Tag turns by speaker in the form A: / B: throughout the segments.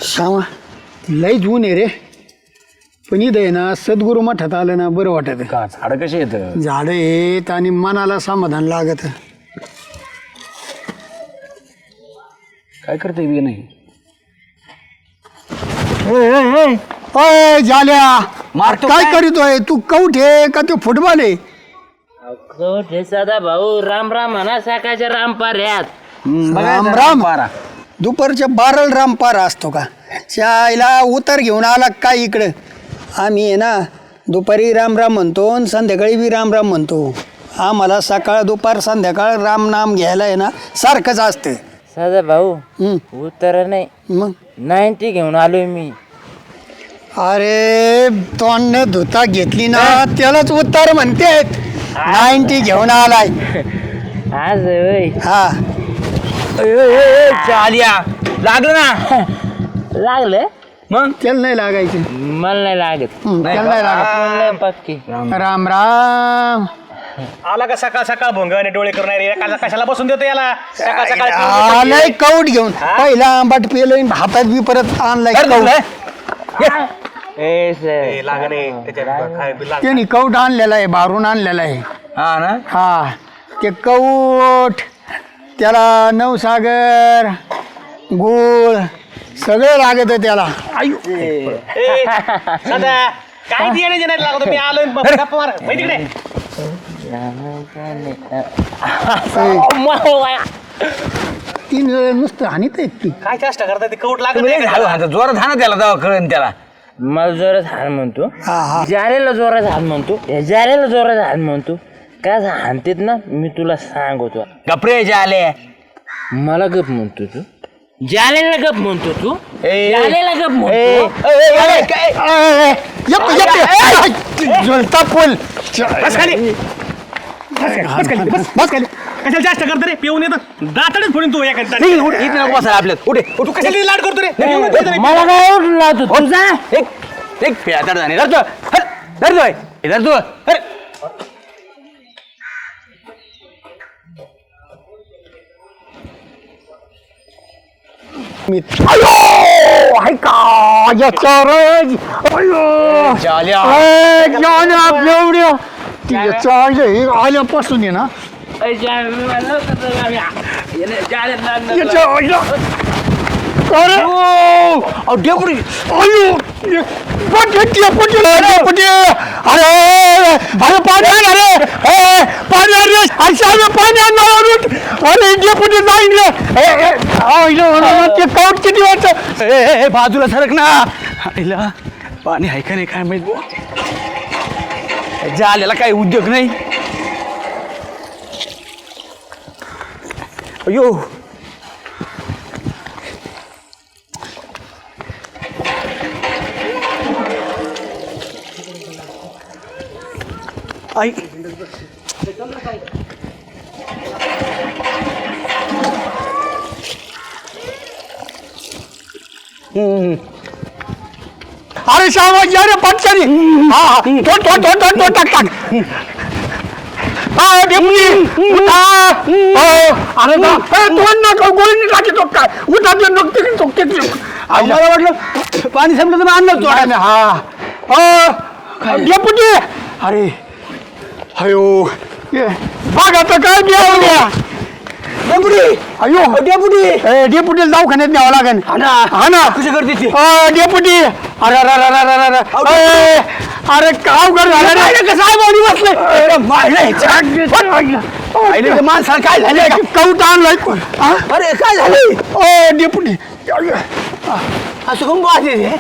A: श्यामा लई ऊन आहे रे पण इथं आहे ना सद्गुरू मठात आलं ना बरं वाटत
B: का झाड कशी येत
A: झाडं येत आणि मनाला समाधान लागत.
B: काय करते बी नाही
A: ओय झाल्या
B: मारतो
A: काय
B: काय?
A: करीतोय तू कौठे का तो फुटबॉल आहे?
C: हे सदा भाऊ राम राम म्हणा सकाळच्या राम पाऱ्यात.
A: राम राम दुपारच्या 12 रामपारा असतो का चायला उतर घेऊन आला काय इकडं. आम्ही आहे ना दुपारी राम राम म्हणतो आणि संध्याकाळी बी राम राम म्हणतो. आम्हाला सकाळ दुपार संध्याकाळ राम नाम घ्यायला आहे ना सारखंच असतं.
C: सदा भाऊ उत्तर नाही
A: मग
C: 90 घेऊन आलोय मी.
A: अरे तोंड धुता घेतली ना त्यालाच उत्तर म्हणते 90 घेऊन आलाय.
C: आज होय
A: हा
B: आलिया लागलं ना
C: लागलं
B: मग
A: त्याला नाही लागायचे
C: मला नाही लागत.
A: त्याला नाही लागत.
C: नाही पक्की
A: राम राम
D: आला का सकाळ सकाळ भोंग आणि डोळे करून कशाला बसून देतो याला सकाळ सकाळ
A: आलाय कौट घेऊन पहिला आंबाट पेलोय हातात बी परत आणलाय कौट.
C: ए सर
A: त्यांनी कौट आणलेला आहे बारून आणलेला आहे.
B: हा ना
A: हा ते कौट त्याला नवसागर गुळ सगळं लागत त्याला.
D: सदा काय बियाणे नाही लागतो मी आलोय गप्पा मार माहिती कडे
A: तीन नुसतं हानीत आहेत ती.
D: काय चेष्टा करताय ते कौट लागत
B: तुम्ही
D: नाही
B: एक हात जोरात हा ना त्याला तेव्हा कळण त्याला
C: मला जोरात हाण म्हणतो
A: हा हा
C: जारेला जोरात हाण म्हणतो जारेला जोरात हाण म्हणतो काय हाणतेत ना मी तुला सांगतो.
B: गपरे जे आले
C: मला गप म्हणतो तू जालेला गप म्हणतो तू
B: ए,
C: जालेला गप म्हणतो.
A: यप यप जळता पोल
D: बस खाली बस खाली कशाला चेष्टा करतो रे पिऊन येतं दातडच फोडून तू एका
B: इथे नको बसायला आपल्यात उठे
D: तू कशाला लाड करतो रे
C: मला काय उठून लावतो तुझा
B: एक प्यादड झाले धरतो धरतोय धरतो अरे
A: मी अयो हाय का याच्यावर अयो
B: झाल्या
A: एवढ्या तिच्या आल्यापासून आहे ना डेपुटी अयो डेपुटी अरे अरे पाणी आण अरे पाणी आण रे पाणी आण अरे डेपुटी जाईन रे ते कौट किती वाटतं
B: बाजूला सरक ना आईला पाणी आहे का नाही काय माहित झालेला काही उद्योग नाही अयो आई
A: अरे श्यामा या रे पटकनी हा हा तो टाक हा डेपुटी उठा अरे तोंड नका गोळी टाकी तो काय उठातलं नकते
B: मला वाटलं पाणी संपलं तर आणलं तो
A: हा डेपुटी अरे अयो बघ आता काय द्या डेपुटी अयो डेपुटी दवाखान्यात न्यावं लागेल हा ना
B: कशी करते ती
A: डेपुटी अरे काव कर झालं
B: माणसाला काय झालं
A: कौट आणलाय
B: अरे काय झालं
A: ओ डेपुटी
B: असं कोण पाहते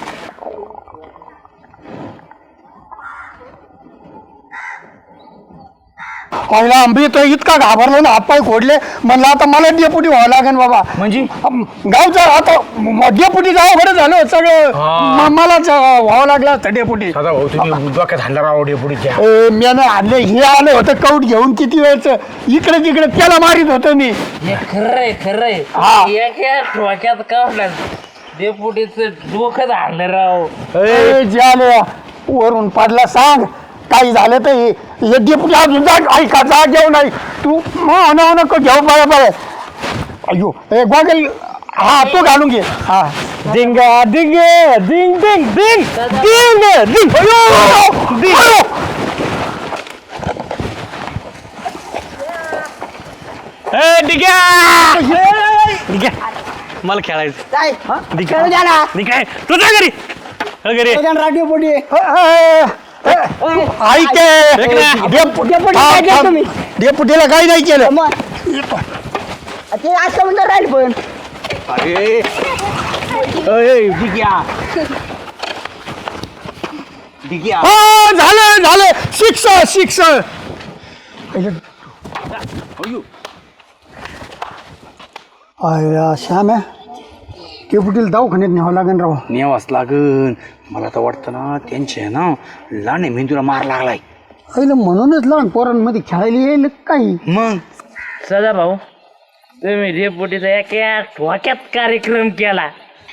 A: पहिला आंबी तर इतका घाबरलो ना हातपाय खोडले म्हणलं आता मला डेपुटी व्हावं लागेल बाबा.
B: म्हणजे
A: गावचा आता डेपुटी जावं बरं झालं सगळं मलाच व्हावं लागलं असतं डेपुटी.
D: भाऊ तुम्ही डोक्यात हाणला राव डेपुटीच्या
A: मी आणले हे आलं होतं कौट घेऊन किती वेळचं इकडे तिकडे त्याला मारित होतं मी.
C: खरंय
A: हा.
C: एका ठोक्यात काढला डेपुटीचं डोकं आणलं राव.
A: झालं वरून पडला सांग काही झालं तर हे डेपुटी अजून जा ऐका जा घेऊ नाही तू नको घेऊ बरोबर. अयो गोगल हा तो घालून घे हा
D: डिंगा डिंग डिंग डिंग डिंग डिंग डिंग डिंग्या मला खेळायचं डिंग्या तू जा घरी घरी
A: राडिओ डेपुटीला काही नाही केलं
E: ते आता म्हणलं राहील पण
A: झालं झालं शिक्ष शिक्ष श्याम आहे डेपुटीला दवाखान्यात न्यावं लागेल राव
B: नेवाच लागन मला तर वाटतं ना त्यांचे आहे ना लाणे मेंदूला मार लागलाय
A: अरे म्हणूनच लहान पोरांमध्ये खेळायला येईल काही
B: मग
C: सदा भाऊ तुम्ही डेपुटीचा एका ठोक्यात कार्यक्रम केला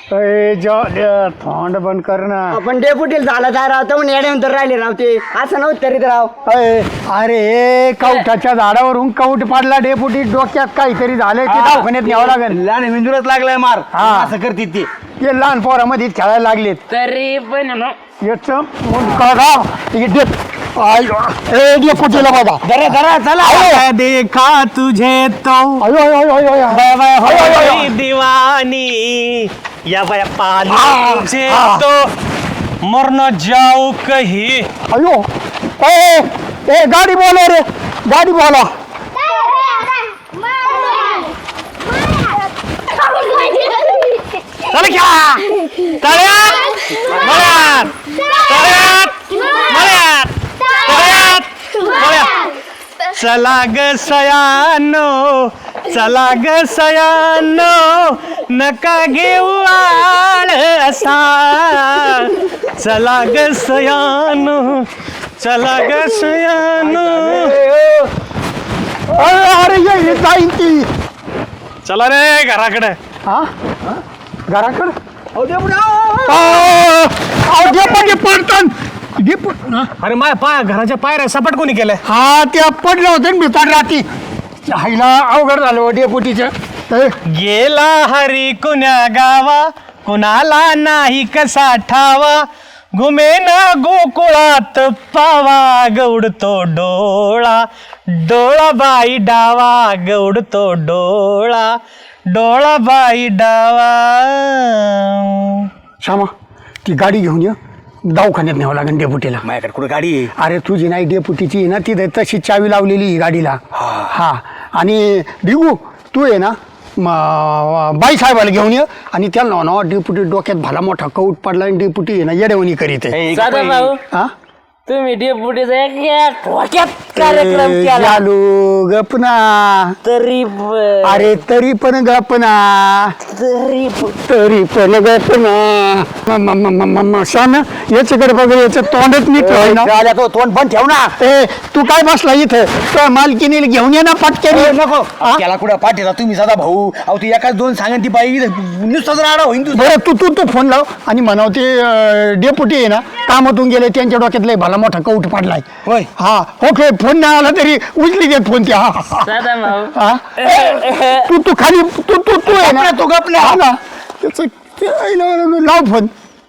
A: थोंड बंद कर ना
E: आपण डेपुटीला झाला काय राव तर येण्यानंतर राहिले राव ते असं नव्हतं तरी राव
A: अरे कवठाच्या झाडावरून कवट पाडला डेपुटी डोक्यात काहीतरी झालंय ते दवाखान्यात न्यावं लागेल
B: लाणे मेंदूलाच लागलाय मार
A: हा.
B: असं करते ते
A: ते लहान पोरामध्ये खेळायला लागलेत
C: तरी पण ना
A: याच डेपुटीला बाबा
B: जरा जरा चला देखा तुझे तो
D: दीवानी या बाया पाली से तो मर न जाओ कहीं
A: अयो ए गाडी बोला रे गाडी बोला
D: चला क्या तळ्यात मळ्यात तळ्यात मळ्यात तळ्यात मळ्यात चला ग सयानो चला ग सयानो नका घेऊ आळ असा चला ग सयानो चला ग सयानो
A: अरे ये जाईन ती
D: चला रे घराकडे
A: हा घराकडं डेपुटी पडतात
D: अरे माझ्या पाय घराच्या पायऱ्या सपाट कोणी केलंय
A: हा त्या पडलं होतं ना भितर राती हायला अवघड झालं डेपुटीचं
D: गेला हरी कुण्या गावा कुणाला नाही कसा ठावा घुमेन गोकुळात पावा गौडतो डोळा डोळा बाई डावा गौडतो डोळा डोळा बाई डावा
A: श्यामा ती गाडी घेऊन ये दवाखान्यात न्यावं लागेल डेपुटीला
B: माझ्याकडे कुठं गाडी आहे
A: अरे तुझी नाही डेपुटीची आहे ना तिथे तशी चावी लावलेली ही गाडीला हा आणि डिगू तू आहे ना बाई साहेबाला घेऊन ये आणि त्याला ना डेपुटी डोक्यात भला मोठा कौट पडला आणि डेपुटी आहे ना येडेवणी करीत आहे
C: सदा भाऊ
A: हा
C: तुम्ही डेपुटीचा एका ठोक्यात कार्यक्रम केला
A: चालू गपना
C: तरी पण
A: अरे तरी पण गपना तरी पण गपना श्याम याच्याकडे बघ याचं तोंडच नीट ठेवाय ना
B: तो तोंड पण ठेव ना
A: ए तू काय बसला इथं तो मालकीने घेऊन ये ना पटक्याने
B: नको त्याला कुठं पाठीला तुम्ही सदा भाऊ अहो ती एकाच दोन सांगा ती बाई नुसतं जर आडा होईन तुझं
A: बरं तू फोन लाव आणि म्हणाव ते डेपुटी आहे ना कामातून गेले त्यांच्या डोक्यात लय भला मोठा कौट पडलाय
B: होय.
A: हा ओके फोन नाही आला तरी उचली देत फोन त्या
C: सदा भाऊ
A: हा तू खाली तू आहे ना तो गपला हा ना त्याचं लाव फोन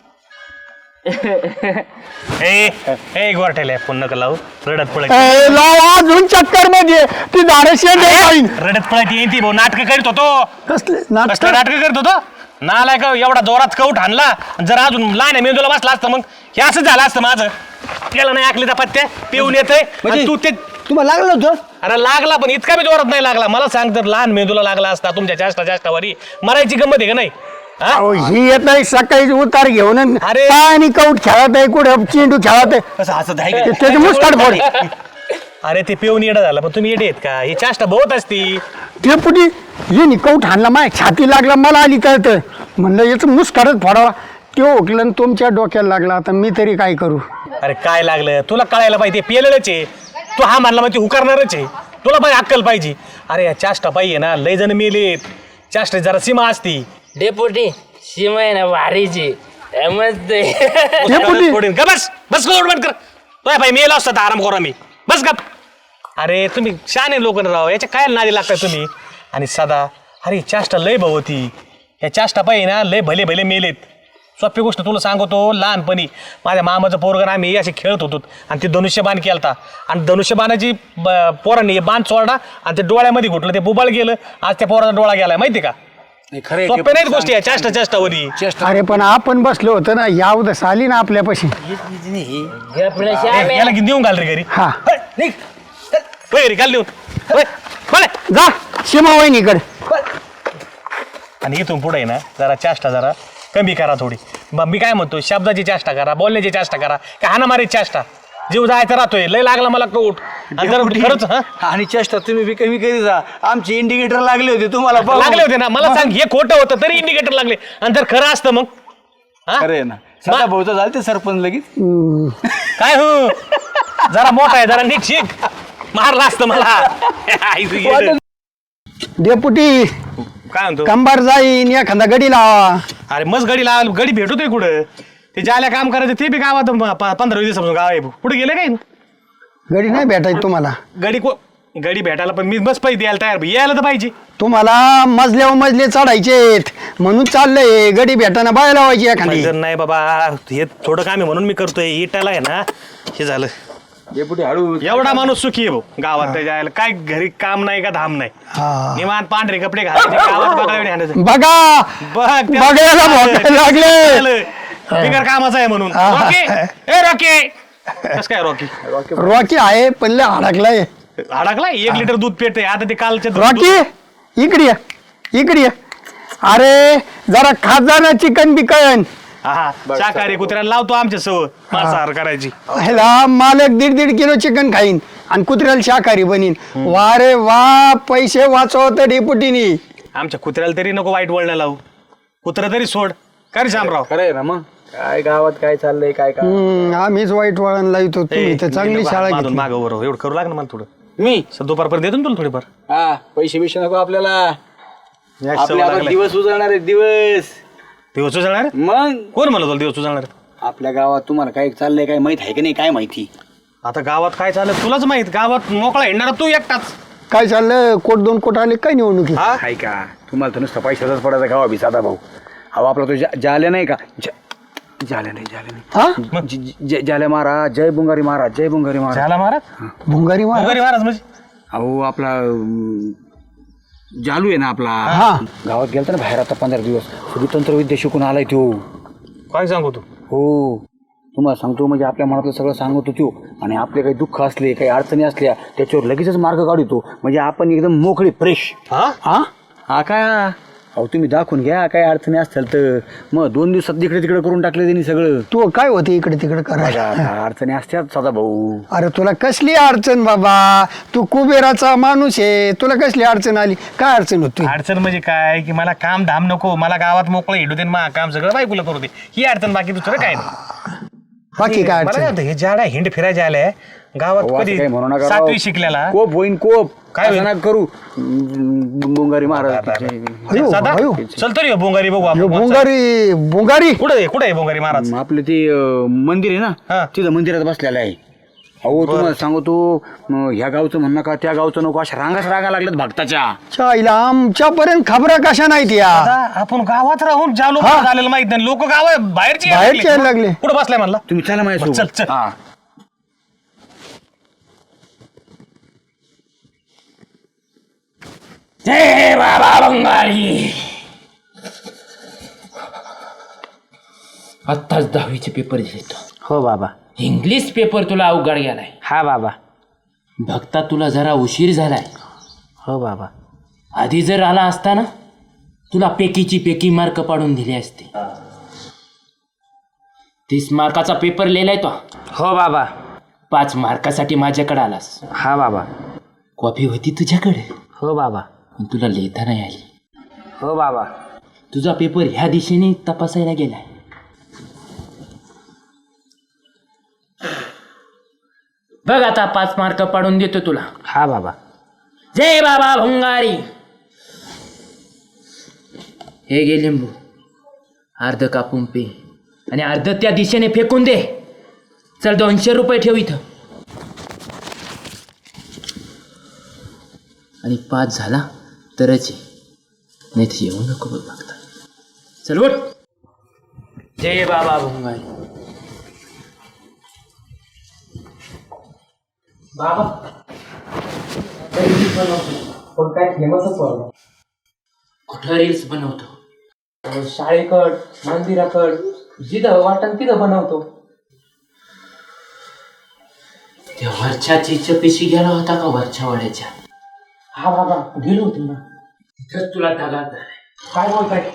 D: ए गोरठेले फोन नका लावू रडत पळत
A: लाव अजून चक्कर मध्ये ती धाडशी
D: रडत पळत येईन ती भाऊ नाटक करीत होतो
A: कसले
D: कसलं नाटक करत होतो नालाय का एवढा जोरात कौट हाणला जर अजून लहान मेंदूला बसला असतं मग हे असं झालं असतं माझं त्याला नाही ऐकले पत्ते पिऊन येतंय तू ते
A: तुम्हाला लागलं होतं
D: अरे लागला पण इतका बी जोरात नाही लागला मला सांग तर लहान मेंदूला लागला असता तुमच्या जास्तावरी मरायची गंमत आहे का नाही हा?
A: अहो, ही येत नाही सकाळी उतार घेऊन
D: अरे.
A: आणि कौट खेळत आहे कुठे चेंडू खेळत आहे
B: कसं हसत आहे
A: ते- त्याची मुस्काट फोड
D: अरे ते पिऊन येडं झालं पण तुम्ही येडे आहेत का ही चाष्टा बहुत असती
A: डेपुटी ये निकौट हाणला माय छाती लागला मला आली कळत म्हणलं याचं मुस्कारच फोडावा तो ओकलं तुमच्या डोक्याला लागला आता मी तरी काय करू
D: अरे काय लागलं तुला कळायला पाहिजे पेलेलंच आहे तू हा मानला म्हणजे हुकारणारच आहे तुला पाहिजे अक्कल पाहिजे अरे या चाष्टा पाहिजे ना लय जण मेलेत चाष्टा जरा सीमा असती
C: डेपुटी सीमा आहे ना भारीची मस्त
A: डेपुटी
D: फोडीन का बस बस बंद कर तो भाई मेला असता आराम करा मी बस गप अरे तुम्ही शहाणे लोक राव याच्या काय नादी लागताय तुम्ही आणि सदा अरे चाष्टा लय भाऊ होती ह्या चाष्टा पाहिजे ना लय भले भले मेलेत. सोपी गोष्ट तुला सांगतो, लहानपणी माझ्या मामाचं पोरगण आम्ही असे खेळत होतो आणि ते धनुष्यबाण केलता आणि धनुष्यबाणाची पोरांनी बाण सोडला आणि ते डोळ्यामध्ये घुटलं, ते बुबाळ गेलं. आज त्या पोराचा डोळा गेलाय माहिती का.
B: खरे
D: सोपे नाहीत गोष्टी या चाष्टावरी.
A: अरे पण आपण बसलो होतो ना, यावदस आली ना आपल्यापाशी.
D: याला की देऊन घाल रे घरी.
A: हा
D: निघ घरी घाल देऊन. होय, बोला.
A: जा सीमा वहिनीकडे.
D: आणि इथून पुढे ना जरा चाष्टा जरा कमी करा थोडी. मग मी काय म्हणतो, शब्दाची चाष्टा करा, बोलण्याची चाष्टा करा, का हाणामारीची चाष्टा. जीव जायचा राहतोय, लय लागला मला कौट. आणि जर खरंच
B: आणि चेष्टा तुम्ही बी कमी करी जा. आमचे इंडिकेटर लागले होते तुम्हाला बघून.
D: लागले होते ना, मला सांग हे खोटं होतं तरी इंडिकेटर लागले. आणि जर खरं असतं मग हा?
B: खरे ना सदा भाऊचं झालं ते सरपंच लगेच.
D: काय हो जरा मोठा आहे, जरा नीट शिक. मारला असतं मला.
A: डेपुटी
D: काय म्हणतो,
A: कंबार जाईन एखादा गडी लावा.
D: अरे मस्त गडी लावा, गडी भेटतोय कुठं. ते ज्याला काम करायचं ते बी गावात 15-20 दिवसापासून गाव आहे. पुढे गेले काय
A: गडी नाही भेटायची तुम्हाला.
D: गडी भेटायला पण मी बस पैसे द्यायला तयार, यायला तर पाहिजे.
A: तुम्हाला मजल्यावर मजले चढायचेत म्हणून चाललंय. गडी भेटाना बाय लावायची एखादी.
D: जर नाही बाबा, हे थोडं काम आहे म्हणून मी करतोय. इटाला आहे ना हे झालं.
B: डेपुटी हळू.
D: एवढा माणूस सुखी आहे भाऊ गावात. जायला काय घरी काम नाही का धाम नाही.
A: हा.
D: निवांत पांढरे कपडे घालायचे गावात बघायला आणायचं.
A: बघा बघायला भोकायला लागले.
D: बिगर कामाचं आहे म्हणून.
A: हा.
D: रॉकी ए रॉकी कस काय रॉकी
A: रॉकी आहे पण लय अडकलाय.
D: अडकला 1 लिटर दूध पेटते आता. ते कालचे
A: रॉकी इकडे ये, इकडे ये. अरे जरा खाजाना चिकन बिकन.
D: हा शाकाहारी कुत्र्याला लावतो आमच्या सव मांसाहार करायची.
A: ह्याला मालक 1.5 किलो चिकन खाईन आणि कुत्र्याला शाकाहारी बनीन. वा रे वा, पैसे वाचवत डेपुटीनी.
D: आमच्या कुत्र्याला तरी नको वाईट वळण लावू. कुत्रा तरी सोड. काय रे शामराव.
B: खरंय ना मग काय गावात काय चाललंय काय काय.
A: आम्हीच वाईट वळण लावतो. तुम्ही तर चांगली शाळा घेतली.
D: मागं बरोबर एवढं करू लाग ना मला थोडं.
B: मी
D: दुपारपर्यंत देतो ना तुला थोडीफार.
B: हा पैसे बिशे नको आपल्याला.
D: सवय
B: आपले आता
D: लागलाय.
B: दिवस उजळणार आहेत दिवस.
D: दिवस उजळणार
B: मग
D: कोण म्हणलं तुला दिवस उजळणार.
B: आपल्या गावात तुम्हाला काय चाललंय काय माहित आहे की नाही काय माहिती.
D: आता गावात काय चाललं तुलाच माहित. गावात मोकळा येणार तू एकटाच.
A: काय चाललं? कोट 2 कोट आले काय निवडणुकी.
B: आहे का तुम्हाला तर नुसतं पैशाचाच पडायचा गावा बी साधा भाऊ. अहो आपला तो जाल्या नाही का जाल्या नाही
A: हा
B: जाल्या महाराज जय बुंगारी महाराज जय बुंगारी महाराज.
D: झाला महाराज.
A: भुंगारी मार.
D: भुंगारी महाराज म्हणजे
B: अहो आपला जालू आहे ना आपला.
A: हा.
B: गावात गेलता ना बाहेर आता 15 दिवस. सगळी तंत्रविद्या शिकून आलाय तो.
D: काय सांगू तू.
B: हो तुम्हाला सांगतो म्हणजे आपल्या मनातलं सगळं सांगतो तो. आणि आपले काही दुःख असले काही अडचणी असल्या त्याच्यावर लगेचच मार्ग काढतो. म्हणजे आपण एकदम मोकळी फ्रेश.
D: हा
A: हा
B: हा काय अहो तुम्ही दाखवून घ्या काय अडचणी असतील तर. मग 2 दिवसात तिकडे तिकडे करून टाकले त्यांनी सगळं.
A: तू काय होते इकडे तिकडे करायला.
B: आता अडचणी असतात सदा भाऊ.
A: अरे तुला कसली अडचण बाबा. तू कुबेराचा माणूस आहे. तुला कसली अडचण आली. काय अडचण होती.
D: अडचण म्हणजे काय की मला काम धाम नको. मला गावात मोकळं हिडू दे. मा काम सगळं बायकोला करू दे. ही अडचण. बाकी दुसरं काय नाही.
A: बाकी काय
D: मला काय
A: अडचण.
D: होतं, हे झाडा हिंड फिरायला आल्या गावात
B: अहो, असं
D: कधी
B: काही म्हणू नका
D: 7वी
B: राव.
D: शिकलेला.
B: कोप होईन कोप
D: काय
B: असं
D: होईन?
B: नका करू. बुंगारी महाराज
A: अयो,
D: साधा
A: अयो.
D: चल तरी हो, बोंगारी बघू
A: यो
D: आपण.
A: भुंगारी भुंगारी.
D: कुठे आहे बोंगारी महाराज.
B: आपलं ते मंदिर आहे
D: हा.
B: ना तिथं मंदिरात बसलेलं आहे. अहो तुम्हाला सांगतो ह्या गावचं म्हण नका त्या गावचं नको अशा रांगा लागल्यात भक्ताच्या.
A: चायला आमच्यापर्यंत खबरा कशा नाहीत या.
D: आता आपण गावात राहून ज्या लोक
A: हा.
D: झालेलं माहित नाही. लोक गाव बाहेरची
A: बाहेरचे यायला लागले.
D: कुठं बसलाय म्हणला.
B: तुम्ही चला
D: चल,
B: माझ्यासोबत.
D: चल.
B: हा
C: जय बाबा बंगाली. आत्ताच 10वीचे पेपर दिले.
E: हो बाबा.
C: इंग्लिश पेपर तुला अवघड गेलाय.
E: हा बाबा.
C: भक्ता तुला जरा उशीर झालाय.
E: हो बाबा.
C: आधी जर आला असता ना तुला पेकीची पेकी मार्क पाडून दिले असते. 30 मार्काचा पेपर लिहिलाय तो.
E: हो बाबा.
C: 5 मार्कासाठी माझ्याकडे आलास.
E: हा बाबा.
C: कॉपी होती तुझ्याकडे
E: हो बाबा.
C: पण तुला लिहिता नाही आली.
E: हो बाबा.
C: तुझा पेपर ह्या दिशेने तपासायला गेलाय. बघ आता 5 मार्क पाडून देतो तुला.
E: हा बाबा.
C: जय बाबा भंगारी. हे घे लिंबू. अर्ध कापून पे आणि अर्ध त्या दिशेने फेकून दे. चल 200 रुपये ठेव इथं. आणि 5 झाला तरच ये. नाही तर येऊ नको बघ बघता. चल उठ. जय बाबा भुंगारी. बाबा पण काय फेमसच बनव. कुठं रील्स बनवतो? शाळेकड, मंदिराकड, जिथं वाटण तिथं बनवतो. त्या वरच्या चीच्या पिशी गेला होता का वरच्या वाड्याच्या? हा बाबा गेलो होतो ना. तिथंच तुला दगा काय बोलताय?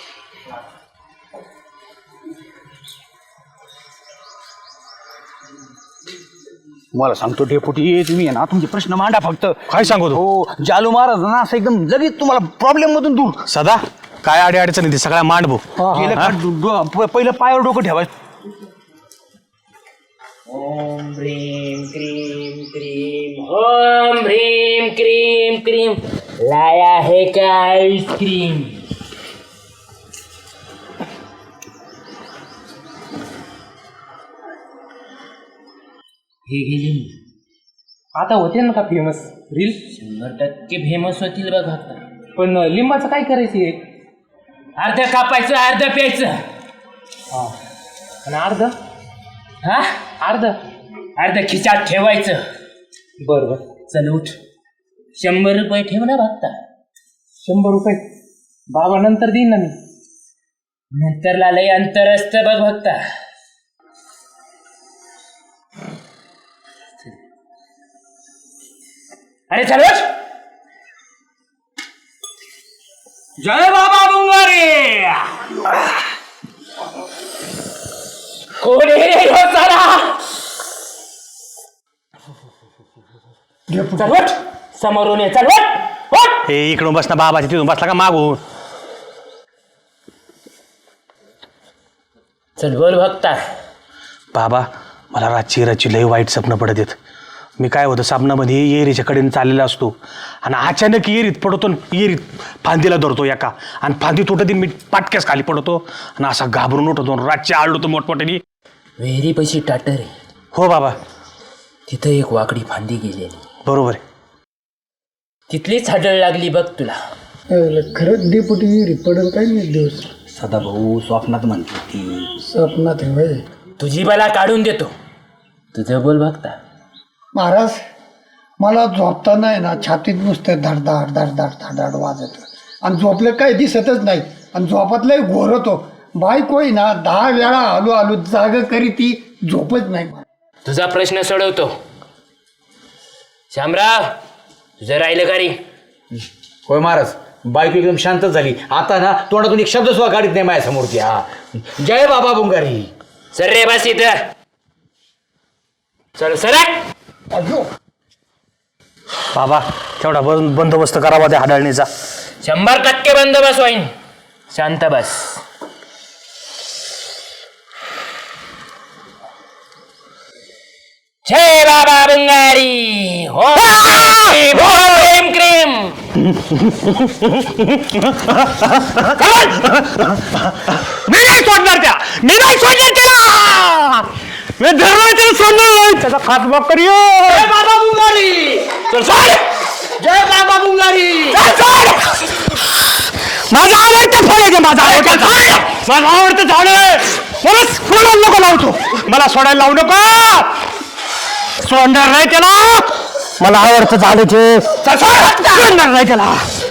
B: मला सांगतो डेपुटी तुम्ही आहे ना तुमचे प्रश्न मांडा फक्त.
D: काय सांगू तू?
B: हो जालू महाराज ना असं एकदम लगेच तुम्हाला प्रॉब्लेम मधून दूर.
D: सदा काय आडी अडचणी ते सगळ्या मांडभो.
B: गेलं का पहिलं पायावर डोकं ठेवायचं.
C: ओम ह्रीम क्रीम क्रीम ओम ह्रीम क्रीम क्रीम. लाया है क्या आइसक्रीम? हे गेले
F: आता होते ना का फेमस रील?
C: 100% फेमस होतील बघ आता.
F: पण लिंबाचं काय करायचं?
C: अर्ध कापायचं अर्ध प्यायचं.
F: आणि अर्ध
C: हा अर्ध खिचात ठेवायचं.
F: बरं.
C: चल उठ. 100 रुपये ठेव ना बघता.
F: 100 रुपये बाबा नंतर देईन ना मी.
C: नंतरला लय अंतर असतं बघ बघता. अरे चल उठ. जय बाबा बुंगारे. कोण आहे हो साला? चल उठ. समोरून ये. चल उठ.
D: हे इकडून बस ना बाबाच्या तिथून बसला का मागून.
C: चल बोल बघता.
D: बाबा मला रातची लय वाईट स्वप्न पडत आहेत. मी काय होतं साबणामध्ये येरीच्या कडेने चाललेला असतो आणि अचानक येरीत पडतो. येरीत फांदीला धरतो एका आणि फांदी तुटत मी पाटक्यास खाली पडतो आणि असा घाबरून उठतो. रातची आळतो मोठमोठ्याने.
C: विहिरी पैशी टाटर आहे.
D: हो बाबा
C: तिथं एक वाकडी फांदी गेलेली.
D: बरोबर आहे.
C: तिथलीच हाडळ लागली बघ तुला.
A: खरंच डेपुटी विहिरीत पडेल काय नाही दिवस.
B: सदा भाऊ स्वप्नात म्हणते ती.
A: स्वप्नात आहे होय.
C: तुझी बला काढून देतो. तुझं बोल बघता.
A: महाराज मला झोपताना आहे ना छातीत नुसतं धडधाड धडधाड धडधाड वाजत आणि झोपलं काही दिसतच नाही आणि झोपातलंही घोरतो. बायको आहे ना 10 वेळा आलो जाग करी ती झोपच नाही.
C: तुझा प्रश्न सोडवतो. श्यामराव तुझं राहिलं का रे?
B: होय महाराज बायको एकदम शांतच झाली. आता ना तोंडातून एक शब्द सुद्धा काढत नाही माझ्या समोरची. हा जय बाबा बुंगारी.
C: सर रे बस इथं. चल सरक.
A: अयो
D: बाबा तेवढा बंदोबस्त करावा त्या हाडळणीचा.
C: 100% बंदोबस्त होईन. शांत बस. जय बाबा बुंगारी. ओम क्रीम.
D: मी नाही सोडणार त्या. मी नाही सोडणार त्याला. मी धरणार त्याला सोडणार नाही. त्याचा खातमा करियो.
C: जय बाबा बुंगारी. चल सोड. जय बाबा बुंगारी.
D: माझा आवडतं फळ आहे. माझा आवडतं झाड आहे. मला सोडायला नको लावतो. मला सोडायला लावू नको. सोडणार नाही त्याला. मला आवडतं झाड आहे. सोडणार नाही त्याला.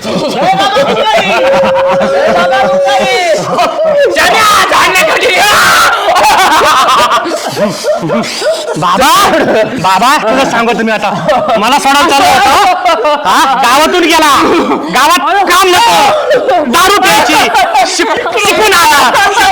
D: बाबा बाबा तुला सांगतो मी आता. मला सोडायला चालू होतं. हा गावातून गेला. गावात काम नको. दारू प्यायची. शिकून आला.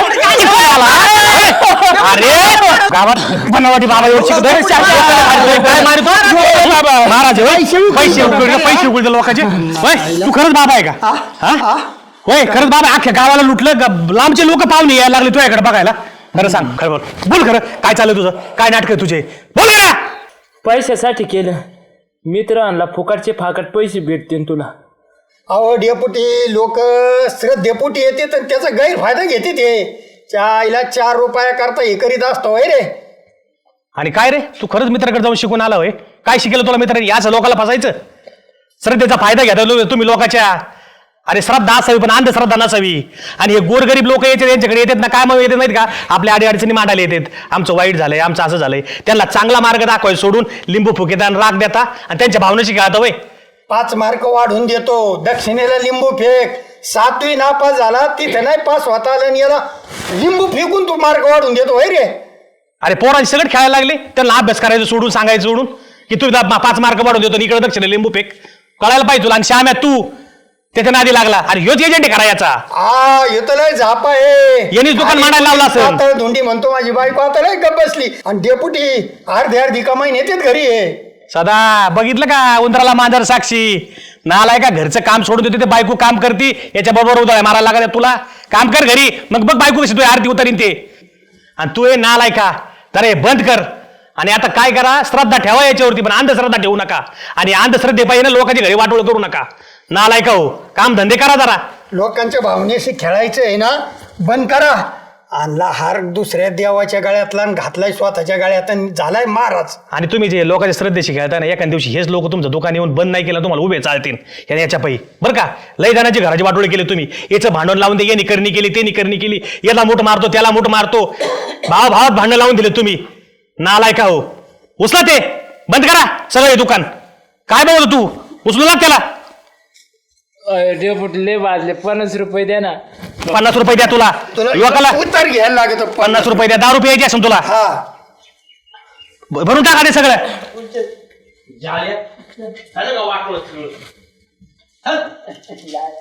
D: अरे गावात बनावटी बाबा येऊन शिकतोय. काय मारतो महाराज? पैसे उकळले लोकांचे. तू खरंच बाबा आहे का? हा होय खरंच बाबा. अख्ख्या गावाला लुटलं. लांबचे लोक पाहुणे यायला लागले तुझ्याकडे बघायला. खरं सांग. खरं बोल खरं काय चालू तुझं? काय नाटक आहे तुझे? बोल ना.
C: पैशासाठी केलं. मित्र आणला. फुकटचे फाकट पैसे भेटतील तुला.
A: अहो डेपुटी लोक डेपुटी येते तर त्याचा गैरफायदा घेते ते. आईला 4 रुपया करता हे करीत असतो होय रे.
D: आणि काय रे तू खरंच मित्राकडे जाऊन शिकून आला होय? काय शिकेलं तुला मित्र? याच लोकांना फसायचं. सर त्याचा फायदा घ्या तुम्ही लोकांच्या. अरे श्रद्धा असावी पण अंधश्रद्धा नसावी. आणि हे गोरगरीब लोक यायचे त्यांच्याकडे येतात ना, काय मग येतात माहिती का, आपल्या अडीअडचणी मांडायला येतात. आमचं वाईट झालंय, आमचं असं झालंय. त्यांना चांगला मार्ग दाखवाय सोडून लिंबू फुकेता आणि राग देता आणि त्यांच्या भावनेशी खेळता. वय
A: 5 मार्क वाढून देतो, दक्षिणेला लिंबू फेक. 7वी नापास झाला तिथे नाही पास होता आलं आणि याला लिंबू फेकून तू मार्क वाढून देतो होय रे.
D: अरे पोरांची सगळं खेळायला लागले, त्यांना अभ्यास करायचं सोडून सांगायचं सोडून की तू 5 मार्क वाढून देतो, इकडे दक्षिण लिंबू फेक. कळायला पाहिजे तुला. आणि श्याम्या तू त्याच्या नादी लागला. अरे ह्योच एजंट आहे करायचा.
A: येतो लय झापा आहे.
D: यांनीच दुकान मांडायला लावलं असेल.
A: आता धुंडी म्हणतो माझी बायको आता लय गप बसली आणि डेपुटी अर्धी कमाई नेतेत घरी आहे.
D: सदा बघितलं का, उंदराला मांजर साक्षी. नालाय का, घरचं काम सोडून देते ते बायको काम करती, याच्या बरोबर उदळ मारायला लागत तुला. काम कर घरी, मग बघ बायको कशी तू आरती उतरीन ते. आणि तू हे नालाय का, तर हे बंद कर. आणि आता काय करा, श्रद्धा ठेवा याच्यावरती, पण अंधश्रद्धा ठेवू नका. आणि अंधश्रद्धे पाहिजे ना लोकांच्या घरी वाटोळ करू नका. नालाय का हो, काम धंदे करा जरा.
A: लोकांच्या भावनेशी खेळायचं आहे ना, बंद करा. आणला हार दुसऱ्या देवाच्या गळ्यातला आणि घातलाय स्वतःच्या गळ्यात आणि झालाय महाराज.
D: आणि तुम्ही जे लोकांच्या श्रद्धेशी खेळता ना, एखाद्या दिवशी हेच लोक तुमचं दुकान येऊन बंद नाही केलं, तुम्हाला उभे चालतील याच्या पायी. बरं का, लय जणांची घराची वाटोळे केले तुम्ही. याचं भांडण लावून दे, यांनी करणी केली, त्यांनी करणी केली, याला मूठ मारतो त्याला मूठ मारतो, भावात भांडण लावून दिले तुम्ही. नालाय का हो, उचला ते, बंद करा सगळं हे दुकान. काय बघतो तू, उचलू लाग त्याला.
F: डेपुटी लय वाजले, 50 रुपये द्या ना.
D: 50 रुपये द्या तुला युवकाला.
A: उत्तर घ्यायला लागत
D: 50 रुपये द्या, 10 रुपये यायचे असेल तुला.
A: हा
D: भरून टाका ते सगळं.
C: झालं का वाटलं सगळं?